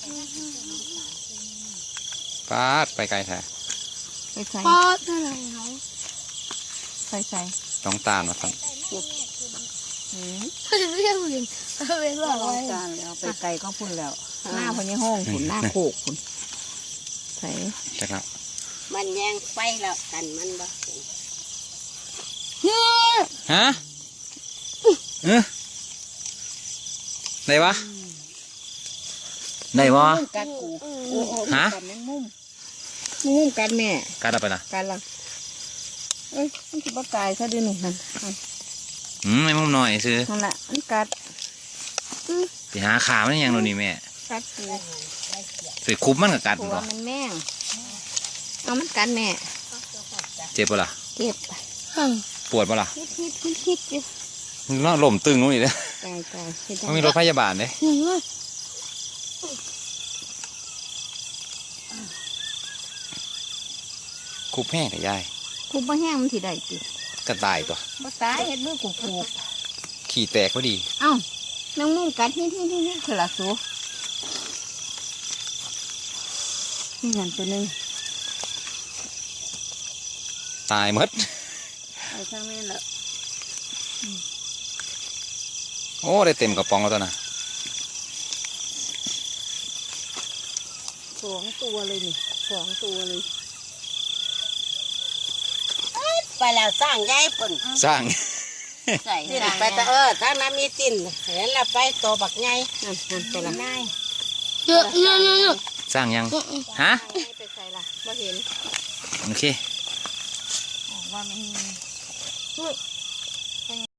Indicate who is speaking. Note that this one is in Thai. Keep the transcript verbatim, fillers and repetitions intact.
Speaker 1: ปาดไปไกลแท้
Speaker 2: ไปใส่
Speaker 3: พอดอะไรเขา
Speaker 2: ใส่ใส่
Speaker 1: ต้องตามมาสั่ง
Speaker 3: เขาจะเรียกมึงเขาเป็นว่าอะไร
Speaker 2: จานแล้วไปไกลก็พุ่นแล้วหน้าพญห้องพุ่นหน้าโคกพุ่นใส่
Speaker 1: จักแล้ว
Speaker 4: มันแย่งไฟแล้วกันมันบ่
Speaker 1: ฮะเออได้ปะได้ปะ
Speaker 2: กัดกู
Speaker 1: ฮะ
Speaker 2: กัดแมงมุมแมงมุมกัดแม่
Speaker 1: การเอาไปนะ
Speaker 2: กัดละเอ้ยมันจะบ่ตายซะดิหนึ่งนั่น
Speaker 1: อืมไม่มุมหน่อยซื้อ
Speaker 2: นั่นแหละมันกัด
Speaker 1: ไปหาขามันยังโน่นนี่แม่
Speaker 2: กัดกู
Speaker 1: ไปคุบมันกับกัด
Speaker 2: หัว
Speaker 1: บ่
Speaker 2: มันแม่งเอามันกัดแม่
Speaker 1: เจ็บปะล่ะ
Speaker 2: เจ็บ
Speaker 1: ปวดปะล่ะ
Speaker 2: ฮิตฮิตฮิตฮิตอยู่
Speaker 1: น่าล่มตึงนู่นนี่เลย
Speaker 2: ตายตายเฮ็ดจัง
Speaker 1: มันมีรถพยาบาลเลยคุบแห้งกับยาย
Speaker 2: คุบบ่แห้งมันสิได้ติ
Speaker 1: กระต่ายตัว
Speaker 2: บ่ตายเฮ็ดมือกูกู
Speaker 1: ขี่แตกพอดี
Speaker 2: เอ้าแมงมุมกัดฮิตฮิตฮิตฮิตคือละสูนี่นั่นตัวหนึง
Speaker 1: ตายหมด
Speaker 2: ไอ้ช่างแม่นละ
Speaker 1: โอ้ได้เต็มกระป๋องแล้วตัวน่ะ
Speaker 2: สองตัวเลยนี่สองตัวเลย
Speaker 4: ไปแล้วสร้างยายปุ่น
Speaker 1: สร้าง
Speaker 2: ใส่
Speaker 4: ตินไปแต่เออถ้าน้ำมีตินเห็นแล้วไปตัวบักไง
Speaker 2: นั่นนั่นไปละ
Speaker 4: ง่าย
Speaker 3: เยอะเยอะเยอะเยอะ
Speaker 1: สร้างยังฮะ
Speaker 2: ไปใส่ละบ่เห็น
Speaker 1: โอเค
Speaker 2: ว่ามัน